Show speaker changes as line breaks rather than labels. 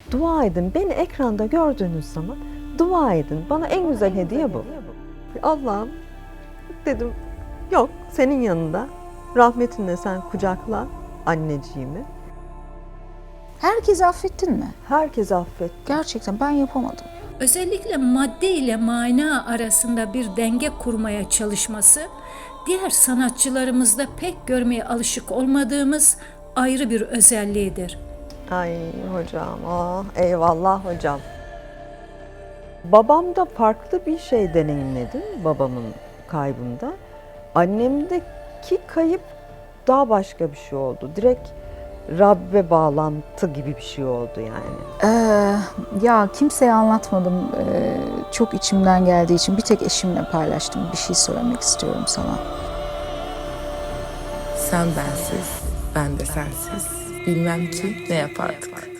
Dua edin. Beni ekranda gördüğünüz zaman dua edin. Bana en güzel hediye bu. Allah'ım dedim, yok senin yanında. Rahmetinle sen kucakla anneciğimi.
Herkesi affettin mi?
Herkes affet.
Gerçekten ben yapamadım.
Özellikle madde ile mana arasında bir denge kurmaya çalışması, diğer sanatçılarımızda pek görmeye alışık olmadığımız ayrı bir özelliğidir.
Ay hocam, ah eyvallah hocam. Babamda farklı bir şey deneyimledim, babamın kaybında. Annemdeki kayıp daha başka bir şey oldu. Direkt Rabbe bağlantı gibi bir şey oldu yani.
Ya kimseye anlatmadım. Çok içimden geldiği için bir tek eşimle paylaştım. Bir şey söylemek istiyorum sana.
Sen bensiz, ben de sensiz. Bilmem ki ne yapardık.